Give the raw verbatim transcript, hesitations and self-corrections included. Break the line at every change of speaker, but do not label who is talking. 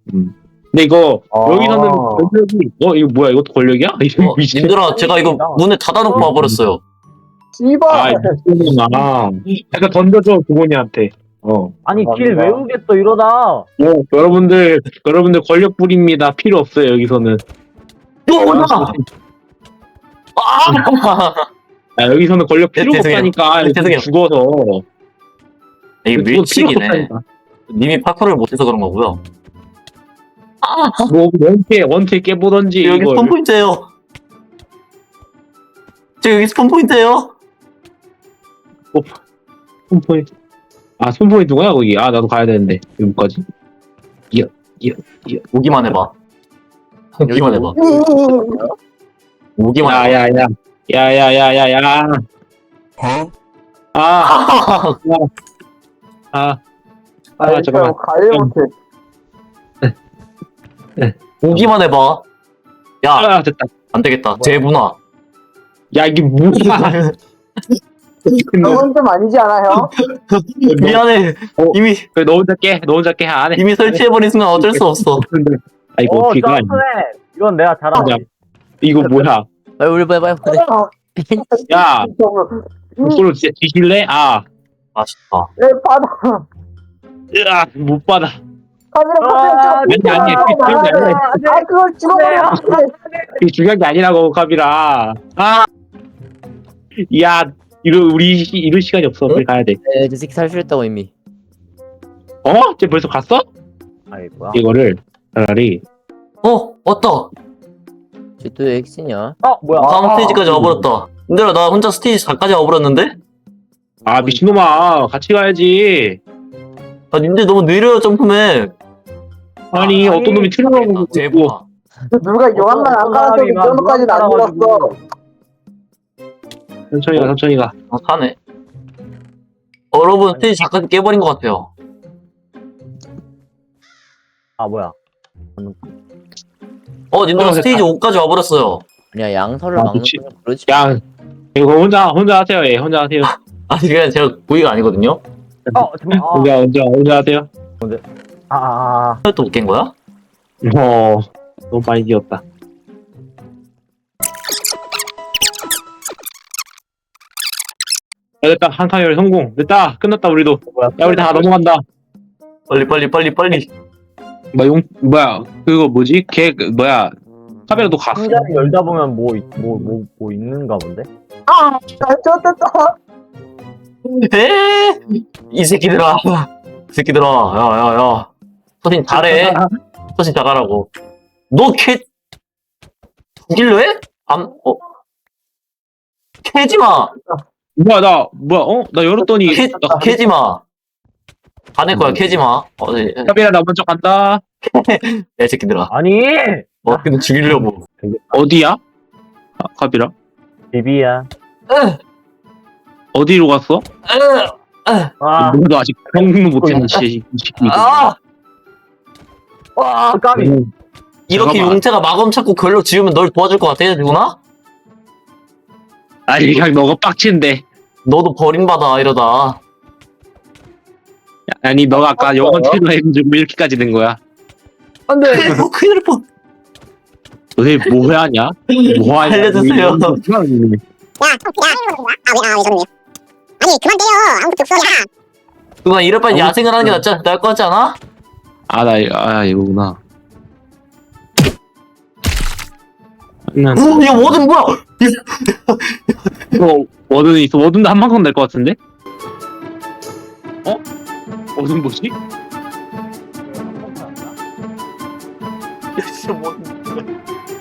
음. 근데 이거
아.
여기서는 권력이 어 이거 뭐야 이것도 권력이야? 이거
어, 님들아 제가 이거 문을 닫아놓고 와버렸어요.
아
씨발.
미친놈아. 약간 던져줘 부모님한테. 어.
아니 길
감사합니다.
외우겠어 이러다.
어, 여러분들 여러분들 권력 뿌립니다. 필요 없어요 여기서는.
또 아!
아, 여기서는 권력 필요가
네, 죄송해요.
없다니까.
네, 죄송해요.
죽어서.
이게
죽어도
밀치기네.
필요가 없다니까.
님이 파쿠를 못해서 그런 거고요. 아!
뭐 원태 원태 깨보던지
여기
이걸.
스폰 포인트예요. 저 여기 스폰 포인트예요.
손포인트. 아 손포인트 누구야 거기? 아 나도 가야 되는데 여기까지. 이야 이야 이야.
오기만 해봐. 오기만 해봐. 오기만 해봐.
야야야. 야야야야야.
어?
아. 아. 아. 아 잠깐만.
가지 못해.
오기만 해봐. 야,
아 됐다.
안 되겠다. 재분화.
야 이게 뭐야?
그건 좀 아니지 않아요?
미안해.
어.
이미
그래 너 혼자 깨. 너 혼자 깨. 안 해.
이미 설치해버린 순간 어쩔 수 없어.
아 이거
어
비가 아니야.
점프해. 이건 내가
야,
잘하지.
이거 뭐야?
빨리 우리 빨리 빨리 빨리.
야, 이걸로 진짜 뒤질래? 아,
맛있다.
내 바다.
으아, 못 받아.
카메라
아니, 아니, 그게 중요한 게 아니라.
아 그걸 찍어버려.
이게 중요한 게 아니라고, 카비라. 아, 야, 이러 우리 시- 이럴 시간이 없어. 빨리 가야 돼.
네, 저 새끼 살수있다고 이미.
어? 쟤 벌써 갔어?
아이 뭐야?
이거를 차라리
어, 왔다.
쟤또 핵이냐?
어 뭐야?
다음 스테이지까지 와버렸다. 근데 나 혼자 스테이지 사까지 와버렸는데?
아 미친놈아, 같이 가야지.
아, 님들 너무 느려요, 점프맨.
아니,
아,
어떤 놈이 틀어가고 있고.
재분화.
누가 요한만 안 깔아서 이 정도까지는 안 들었어.
천천히 가, 천천히 가.
아, 사네. 어, 여러분, 스테이지 사까지 깨버린 것 같아요.
아 뭐야?
어, 님들
어,
스테이지 오까지 와버렸어요.
아니야 양서를
아,
막는
그치.
건 그러지.
야, 이거 혼자 혼자 하세요. 예, 혼자 하세요.
아니, 그냥 제가 고의가 아니거든요.
어 잠깐.
혼자 혼자 혼자 하세요.
아.
또 못 깬 거야?
어, 너무 많이 뛰었다. 야, 됐다. 한 칸열 성공. 됐다. 끝났다, 우리도. 야, 우리 다 넘어간다.
빨리, 빨리, 빨리, 빨리.
뭐, 용, 뭐야. 그거 뭐지? 걔, 그, 뭐야. 카메라 너 갔어.
상자를 열다 보면 뭐 뭐 뭐 뭐 있는가 본데? 아, 좋됐다.
에? 이 새끼들아. 이 새끼들아. 야, 야, 야. 서신 잘해. 서신 잘하라고. 너 캐, 죽일래 해? 안, 어. 캐지 마.
뭐야, 나, 뭐야, 어? 나 열었더니.
캐,
나,
캐지 마. 안 할 거야, 캐지 마. 어, 네.
카메라 나 먼저 간다.
야, 이 새끼들아.
아니,
어떻게든 죽이려고.
어디야? 아, 카비라?
비비야.
으,
어디로 갔어?
으, 으.
아,
너도 아직 평등도 못했는 씨.
아!
와, 까비.
이렇게
잠깐만.
용태가 마검 찾고 결력 지으면 널 도와줄 것 같아, 누구나?
아니, 그냥 너가 빡치는데.
너도 버림받아, 이러다.
아니, 너가 아까 영원 틀로 해가지고 이렇게까지 된 거야.
안 돼.
어, 큰일 날 뻔.
너네 뭐 하냐? 뭐 하냐?
알려주세요.
야, 야, 아, 왜, 아, 왜 저러냐? 아니, 그만 때려. 아무것도 없어. 야.
누나 이럴 바엔 야생을 하는 게 낫지, 나을 것 같지 않아?
아, 나, 아, 이거구나. 난,
오, 야, 워든 뭐야?
어, 워든 있어. 워든도 한 방송 낼 것 같은데? 어? 워든 뭐지?
야, 진짜 워든.